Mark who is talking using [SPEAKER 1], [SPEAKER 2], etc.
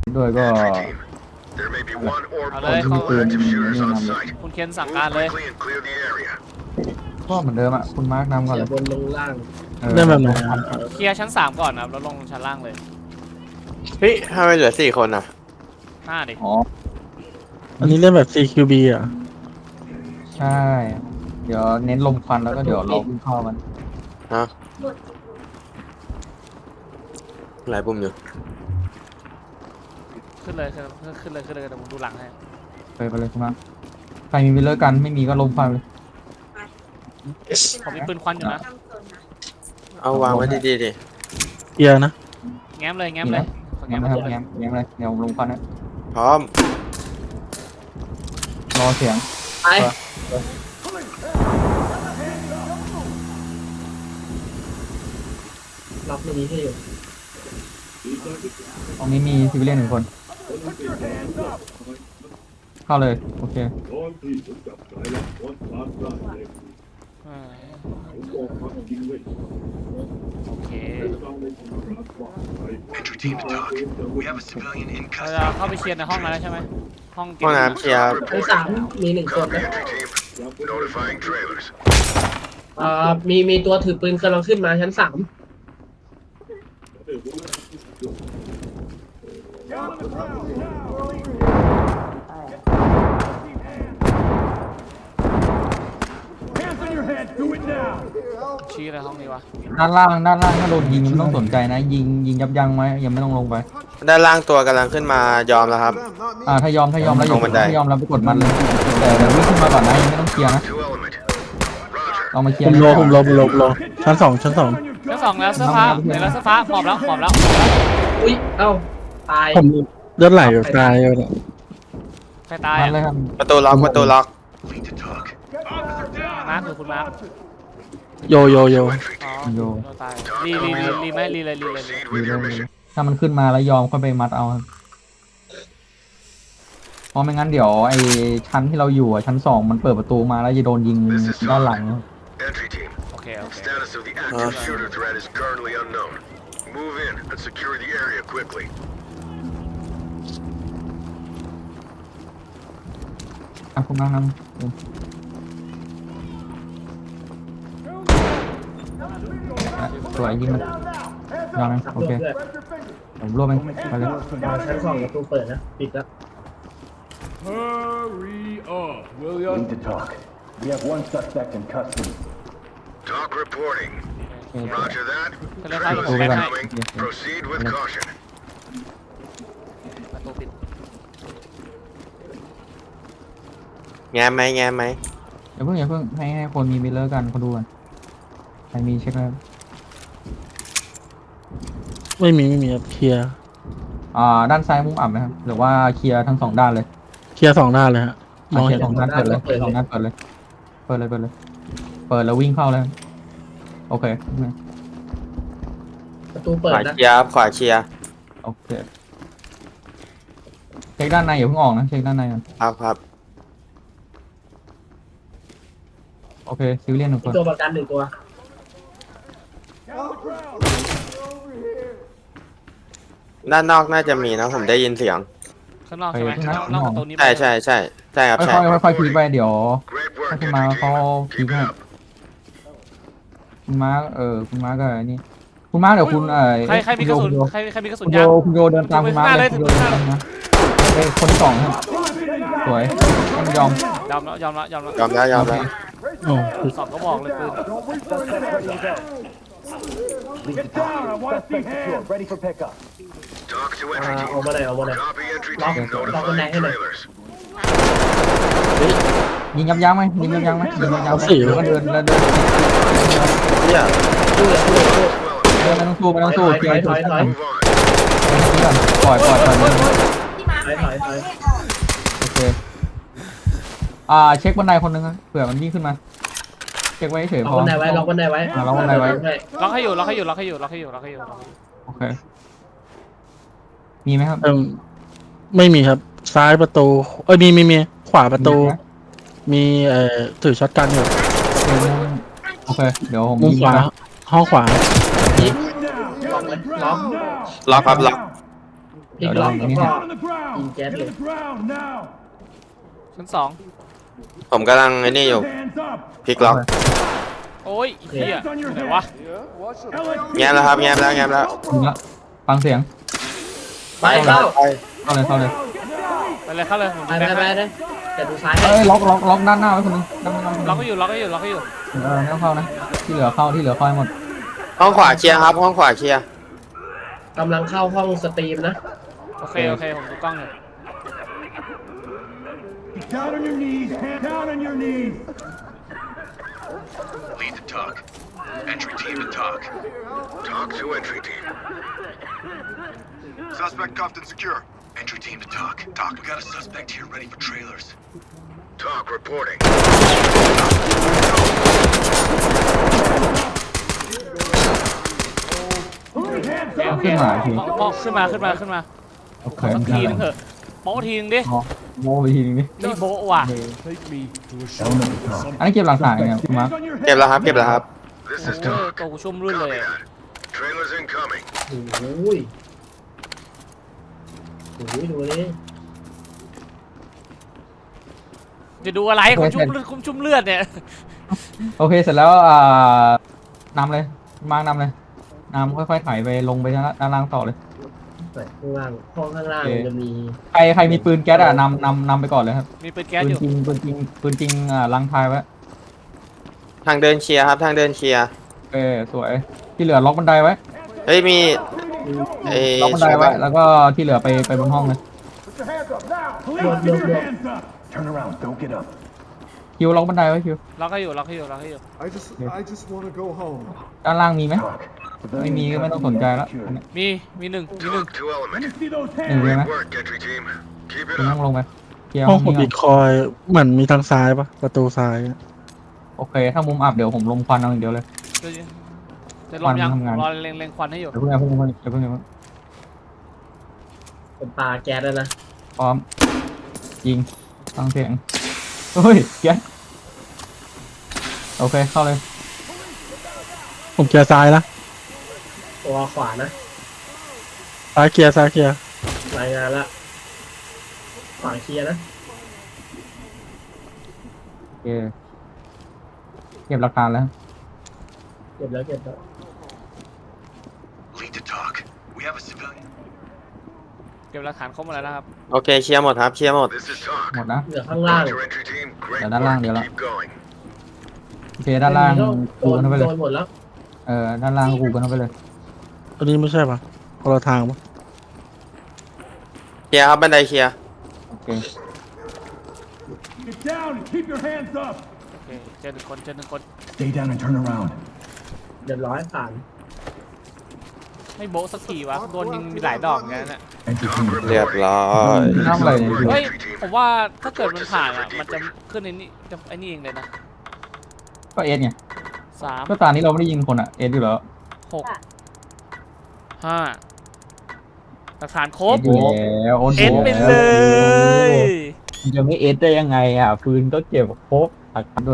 [SPEAKER 1] ด้วยก็
[SPEAKER 2] เอาเลย
[SPEAKER 1] มีปืนนี่นำเลย
[SPEAKER 2] คุณเคนสั่งการเลย
[SPEAKER 1] ก็เหมือนเดิมอ่ะคุณมาร์คนำก่อน
[SPEAKER 3] อ
[SPEAKER 1] เล
[SPEAKER 3] ย่าย บนลงล่าง
[SPEAKER 4] เริ่มแบบไหนอะ
[SPEAKER 2] เคลียร์ชั้น3ก่อนนะครับแล้วลงชั้นล่างเลย
[SPEAKER 5] เฮ้ยทำไมเหลือ4 คนอ่ะ
[SPEAKER 2] หน้าดิ
[SPEAKER 1] อ๋อ
[SPEAKER 4] อันนี้เล่นแบบ CQB อ่ะ
[SPEAKER 1] ใช่ เดี๋ยวเน้นลมควันแล้วก็เดี๋ยวเราวิ่งเข้ามัน
[SPEAKER 5] ฮะหลายปุ่มอยู่
[SPEAKER 2] ขึ้นเลยขึ้นเลยเดี๋ยวผมดูหลังให้
[SPEAKER 1] ไปเลยคุณมาร์คใครมีวิลเลอร์กันไม่มีก็ลมควันเลย
[SPEAKER 2] ผมมีปืนควันอยู่นะ
[SPEAKER 5] เอาวางไว้ดีๆดิ
[SPEAKER 4] เคลียร์นะ
[SPEAKER 2] แง้มเลยแง้มเลย
[SPEAKER 1] แง้มนะครับแง้มเลยเดี๋ยวลมควันนะ
[SPEAKER 5] พร้อม
[SPEAKER 1] รอเสียง
[SPEAKER 3] ไปล็อกไม่ดีให้อยู่
[SPEAKER 1] ตรงนี้มีซิวิเลียน1 คน เข้าเลยโอเค
[SPEAKER 2] เออโอเคเราจะเข้าไปเคลียร์ในห้องนั้นแล้วใช่ไหมห้องเก็บ
[SPEAKER 5] ห้องน้ำเคลียร์
[SPEAKER 3] ชั้นสามมี1 คนนะมีตัวถือปืนกำลังขึ้นมาชั้น 3
[SPEAKER 2] ชี้อะไรห้องนี้วะ
[SPEAKER 1] ด้านล่างถ้าโดนยิงไม่ต้องสนใจนะ ยิงยับยั้งไว้ยังไม่ต้องลงไป
[SPEAKER 5] ด้านล่างตัวกำลังขึ้นมายอมแล้วครับ
[SPEAKER 1] ถ้ายอมแล้วอย่า
[SPEAKER 5] ลงบันได
[SPEAKER 1] ถ้ายอมแล้วไปกดมันเลยแต่เดี๋ยววิ่งขึ้นมาก่อนนะยังไม่ต้องเคลียร์นะเรามาเคลีย
[SPEAKER 4] ผ
[SPEAKER 1] ร์
[SPEAKER 4] มโลชั้นสอง
[SPEAKER 2] ชั้น2แล้วเสื้อฟ้าเดี๋ยวแล้วเสื้อฟ้าหมอบแล้ว
[SPEAKER 3] อุ้ยเอ้าตาย
[SPEAKER 4] ผมเลือดไหลอยู่ตายอยู่เนี่ย
[SPEAKER 2] ใครตาย
[SPEAKER 1] มันเลยครับ
[SPEAKER 5] ประตูล็อก
[SPEAKER 2] มาร์คคือคุณมาร์ค
[SPEAKER 4] โย
[SPEAKER 2] อ๋อ
[SPEAKER 1] โย
[SPEAKER 2] เราตายรีไหมรีเลย
[SPEAKER 1] ดีเลยถ้ามันขึ้นมาแล้วยอมค่อยไปมัดเอาครับเพราะไม่งั้นเดี๋ยวไอ้ชั้นที่เราอยู่อ่ะชั้น2มันเปิดประตูมาแล้วจะโดนยิงด้านหลัง
[SPEAKER 2] โอเค
[SPEAKER 6] Status of the active shooter threat is currently unknown. Move in and secure the area quickly.
[SPEAKER 1] คุณมากครับสวยยิงมันยอมนะโอเคผมรวบเองไปเลย
[SPEAKER 3] ชั้น 2ประตูเปิดนะปิดแล้ว
[SPEAKER 7] Hurry up, will ya?
[SPEAKER 8] Need to talk. We have 1 suspect in custody.
[SPEAKER 6] Talk reporting. Roger that.
[SPEAKER 2] ก็เลยเข้า
[SPEAKER 6] Trailers
[SPEAKER 2] ไปให้
[SPEAKER 6] incoming. Proceed with caution.
[SPEAKER 2] ประตูปิด
[SPEAKER 5] แง้มไหม
[SPEAKER 1] อย่าเพิ่งให้คนมีมิลเลอร์กันเขาดูกันใครมีเช็คแล้ว
[SPEAKER 4] ไม่มีครับเคลียร์
[SPEAKER 1] ด้านซ้ายมุมอับนะครับหรือว่าเคลียร์ทั้ง2 ด้านเลย
[SPEAKER 4] เคลียร์2 ด้านเลยฮะมอง
[SPEAKER 1] เคลี
[SPEAKER 4] เห็
[SPEAKER 1] ย
[SPEAKER 4] น
[SPEAKER 1] ร์2 ด้านเปิดเลย2 ด้านเปิดเลยเปิดแล้ววิ่งเข้าเลยโอเค
[SPEAKER 3] ประตู
[SPEAKER 5] ข
[SPEAKER 3] เปิด
[SPEAKER 5] วา
[SPEAKER 3] นะ
[SPEAKER 5] เคลียร์ขวาเคลียร์
[SPEAKER 1] โอเคเช็คด้านในอย่าเพิ่งออกนะเช็คด้านในก่อน
[SPEAKER 5] ครับ
[SPEAKER 1] โอเคซิวิเลียน1 คน
[SPEAKER 3] ตัวประกัน1 ตัว
[SPEAKER 5] ด้านนอกน่าจะมีนะผมได้ยินเสียง
[SPEAKER 2] ข้างนอกใช่ไหมนอกประตูนี้
[SPEAKER 5] ใช่ครับใช่
[SPEAKER 1] ค่อยๆพีไปเดี๋ยว
[SPEAKER 6] Great
[SPEAKER 1] ถ้า
[SPEAKER 6] work,
[SPEAKER 1] คุณมา
[SPEAKER 6] entry
[SPEAKER 1] เขา
[SPEAKER 6] team.
[SPEAKER 1] พี
[SPEAKER 6] Keep
[SPEAKER 1] ให้
[SPEAKER 6] it up.
[SPEAKER 1] คุณมาคุณมาก็นี่คุณมาเดี๋ยวคุณ
[SPEAKER 2] ใครมีกระสุนใครมีกระสุน
[SPEAKER 1] คุณโย
[SPEAKER 2] ยาง
[SPEAKER 1] คุณโยเดินตามคุณมาเลยคุณโยเดินตามนะคนที่ 2ครับสวยต้องยอม
[SPEAKER 2] ยอมแล้ว
[SPEAKER 5] ยอมแล้ว
[SPEAKER 4] โอ้
[SPEAKER 2] สอบก็บอกเลยปืน
[SPEAKER 8] Lead to talk. Suspect secure. Ready for pickup.
[SPEAKER 6] Talk to
[SPEAKER 3] อ
[SPEAKER 6] entry
[SPEAKER 3] อก
[SPEAKER 6] team.
[SPEAKER 3] มาเลย
[SPEAKER 6] Copy entry
[SPEAKER 3] Lock-
[SPEAKER 6] team.
[SPEAKER 3] lock
[SPEAKER 6] Notifying
[SPEAKER 3] บันไดให้หน่อย
[SPEAKER 6] trailers.
[SPEAKER 1] ยิงยับยั้งไหมยิงยับยั้งไหมยิงยับยั้งไหมหรือว่าเดินแล้วเดิน
[SPEAKER 5] เนี่ย
[SPEAKER 3] ตู้เลย
[SPEAKER 1] ไม่ต้องสู้เคลียร์
[SPEAKER 3] ถอย
[SPEAKER 6] Move on.
[SPEAKER 1] ปล่อย
[SPEAKER 3] ถอย
[SPEAKER 1] โอเคเช็คบันไดคนนึงครับเผื่อมันวิ่งขึ้นมาเช็คไว้เฉย
[SPEAKER 3] ล็
[SPEAKER 1] พ
[SPEAKER 3] อก
[SPEAKER 1] อ
[SPEAKER 3] บันไดไว้ล็อกบันไดไว้
[SPEAKER 1] ล็อกบันไดไว้
[SPEAKER 2] ล็อกให้อยู่
[SPEAKER 1] โอเคมีไหมครับ
[SPEAKER 4] ไม่มีครับซ้ายประตูมีขวาประตู มีถือช็อตกันอยู่
[SPEAKER 1] โอเคเดี๋ยวผม
[SPEAKER 4] มุมขวาห้องขวา
[SPEAKER 3] ล็อก
[SPEAKER 5] ล็อกครับล็อก
[SPEAKER 3] พลิกล็อกแล้วก็
[SPEAKER 8] Down on the ground.
[SPEAKER 3] You get
[SPEAKER 8] Get on
[SPEAKER 3] it.
[SPEAKER 8] the ground now.
[SPEAKER 2] ชั้นสอง
[SPEAKER 5] ผมกำลังไอ้นี่อยู่
[SPEAKER 8] Hands up.
[SPEAKER 5] พลิกล็อก
[SPEAKER 2] โอ้ยไอ้เหี้ยอยู่ไหนวะ
[SPEAKER 8] LSPD.
[SPEAKER 5] แง้มแล้วครับแง้มแล้วแง้มแล้ว
[SPEAKER 1] ถึงละฟังเสียง
[SPEAKER 3] ไปเข้า
[SPEAKER 5] ไป
[SPEAKER 1] เข้าเลยเข้าเลย
[SPEAKER 2] ไปเลยเข้าเลยผม
[SPEAKER 3] ไป
[SPEAKER 2] ดู
[SPEAKER 3] ไป
[SPEAKER 2] แบ็ค
[SPEAKER 3] ไป
[SPEAKER 2] ให้
[SPEAKER 3] เลยจะดูซ้ายให้
[SPEAKER 1] เอ้ยล็อกด้านหน้าไว้คนนึงด้านหน้า
[SPEAKER 2] ล็อกก็อยู่ล็อกก็อยู่ล็อกก็อยู่
[SPEAKER 1] ไม่ต้องเข้านะที่เหลือเข้าให้หมด
[SPEAKER 5] ห้องขวาเคลียร์ครับ ห้องขวาเคลียร์
[SPEAKER 3] กำลังเข้าห้องสตรีมนะ
[SPEAKER 2] โอเคผมดูกล้องอยู่
[SPEAKER 8] Down on your knees. Hand down on your knees.
[SPEAKER 6] Lead the talk. Entry team to talk. Talk to entry team. Suspect cuffed and secure. Entry team to talk. Talk, we got a suspect here ready for trailers. Talk reporting.
[SPEAKER 2] โอเค
[SPEAKER 1] ขึ้นมาที
[SPEAKER 2] มองขึ้นมา
[SPEAKER 1] โอเค
[SPEAKER 2] สักทีนึงเถอะโป๊ะทีนึงดิ
[SPEAKER 1] โม่ไปทีนึงดิ
[SPEAKER 2] ไม่โบ๊ะว่ะ
[SPEAKER 7] Take me to a shelter.
[SPEAKER 1] อันนี้เก็บหลักฐานยังไงคุณมาร์ค
[SPEAKER 8] On your
[SPEAKER 5] เก็บ
[SPEAKER 8] head.
[SPEAKER 5] แล้วครับ เก็บแล้วครับ
[SPEAKER 6] This is
[SPEAKER 2] โอ้ย
[SPEAKER 6] talk.
[SPEAKER 2] ตัวกูชุ่มรื่นเลย
[SPEAKER 6] Copy that. Trailers incoming.
[SPEAKER 3] โอ้ยดูนี่
[SPEAKER 2] จะดูอะไรคุณชุ่มเลือดเนี่ย
[SPEAKER 1] โอเคเสร็จแล้วนำเลยมาร์คนำเลยนำค่อยๆไถไปลงไปด้านล่างต่อเลย
[SPEAKER 3] ข้างล่างห้องข้างล่างจะมี
[SPEAKER 1] ใครมีปืนแก๊สนำไปก่อนเลยครับ
[SPEAKER 2] มีปืนแก๊ส
[SPEAKER 1] ปื
[SPEAKER 2] อน ยู่
[SPEAKER 1] จริงปืนจริงลังทายไว้
[SPEAKER 5] ทางเดินเคลียร์ครับ ทางเดินเคลียร์
[SPEAKER 1] สวยที่เหลือล็อกบันไดไว้
[SPEAKER 5] เฮ้ย มีไอ้
[SPEAKER 1] ล็อกบันไดไว้แล้วก็ที่เหลือไปบนห้องเลย
[SPEAKER 8] Put your hands up now. Police, get your hands up. Turn around. Don't get up.
[SPEAKER 1] คิวล็อกบันไดไว้คิว
[SPEAKER 2] ล็อกให้อยู่
[SPEAKER 9] I just want to go home.
[SPEAKER 1] ด้านล่างมีไหม
[SPEAKER 8] Talk.
[SPEAKER 1] ไม่มีก็ไม่ต้องสนใจแล้ว
[SPEAKER 2] มีหนึ่ง
[SPEAKER 6] Talk to
[SPEAKER 8] Let
[SPEAKER 6] element.
[SPEAKER 8] me see those
[SPEAKER 1] หนึ่ง
[SPEAKER 8] hands.
[SPEAKER 1] เลยไหม
[SPEAKER 6] Great work, entry team. Keep
[SPEAKER 1] คุณ
[SPEAKER 6] it
[SPEAKER 1] ต้อง
[SPEAKER 6] up.
[SPEAKER 1] ลงไปเคลียร์
[SPEAKER 4] ห้
[SPEAKER 1] ห้
[SPEAKER 4] อ
[SPEAKER 1] อง ง
[SPEAKER 4] ผม
[SPEAKER 1] นี้
[SPEAKER 4] บิ
[SPEAKER 1] ก่
[SPEAKER 4] ต
[SPEAKER 1] อน
[SPEAKER 4] คอยเหมือนมีทางซ้ายปะประตูซ้ายอะ
[SPEAKER 1] โอเค ถ้ามุมอับเดี๋ยวผมลมควันเอาอย่างเดียวเลย
[SPEAKER 2] จะลองยัง
[SPEAKER 1] ทำงาน
[SPEAKER 2] รอเล็งควันให้อยู่
[SPEAKER 1] เดี๋ยวเพิ่ง
[SPEAKER 3] เป็นปลาแก๊สแล้วนะ
[SPEAKER 1] พร้อมยิงฟังเสียงเฮ้ยแก๊สโอเคเข้าเลย
[SPEAKER 4] ผมเคลียร์ซ้ายนะ
[SPEAKER 3] ตัวขวานะ
[SPEAKER 4] ซ้ายเคลียร์ซ้ายเคลียร์
[SPEAKER 3] รายงานละขวาเคลียร์นะ
[SPEAKER 1] โอเคเก็บหลักฐานแล้ว
[SPEAKER 3] เก็บแล้ว
[SPEAKER 6] Lead to talk. We have a civilian.
[SPEAKER 2] เก็บหลักฐานครบหมดแล้วนะครับ
[SPEAKER 5] โอเค เคลียร์หมดครับ เคลียร์หมด
[SPEAKER 6] This is talk.
[SPEAKER 1] หมดนะ
[SPEAKER 3] เหลือข้างล่าง
[SPEAKER 6] Talk to entry team. Great
[SPEAKER 1] Đằng
[SPEAKER 6] work.
[SPEAKER 1] điều lắm.
[SPEAKER 6] Keep going.
[SPEAKER 1] โอเคด้านล่าง
[SPEAKER 3] โด
[SPEAKER 1] กู
[SPEAKER 3] น
[SPEAKER 1] กันเข้าไปเลย
[SPEAKER 3] หมดแล้ว
[SPEAKER 1] ด้านล่างกูกันเข้าไปเลย
[SPEAKER 4] อันนี้ไม่ใช่ปะคนละทางปะ
[SPEAKER 5] เคลียร์ครับ บันไดเคลียร์
[SPEAKER 1] โอเค
[SPEAKER 8] Get down and keep your hands up.
[SPEAKER 2] โอเคเจอหนึ่งคน
[SPEAKER 8] Stay down and turn around.
[SPEAKER 3] เรียบร้อยผ่าน
[SPEAKER 2] ไม่โบ๊ะสักทีวะโดนยิงมีหลายดอกอย่างนั้นน่ะ
[SPEAKER 8] Entry
[SPEAKER 6] Talk
[SPEAKER 8] team.
[SPEAKER 5] เรียบ
[SPEAKER 6] reporting.
[SPEAKER 5] ร้อย
[SPEAKER 1] น้ำอะไรเนี่ย
[SPEAKER 2] เฮ้ยผมว่าถ้าเกิดมันผ่านอ่ะมันจะขึ้นไอ้นี่เองเลยนะ
[SPEAKER 1] ก็เอสไง
[SPEAKER 2] 3
[SPEAKER 1] ก็ตอนนี้เราไม่ได้ยิงคนอ่ะเอสอยู่แล้ว
[SPEAKER 2] 6 5หลักฐานครบ
[SPEAKER 1] เอสอยู่แล้วโอน
[SPEAKER 2] เอ็นไปเลย
[SPEAKER 1] มันจะไม่เอสได้ยังไงอ่ะปืนก็เก็บครบหลักฐาน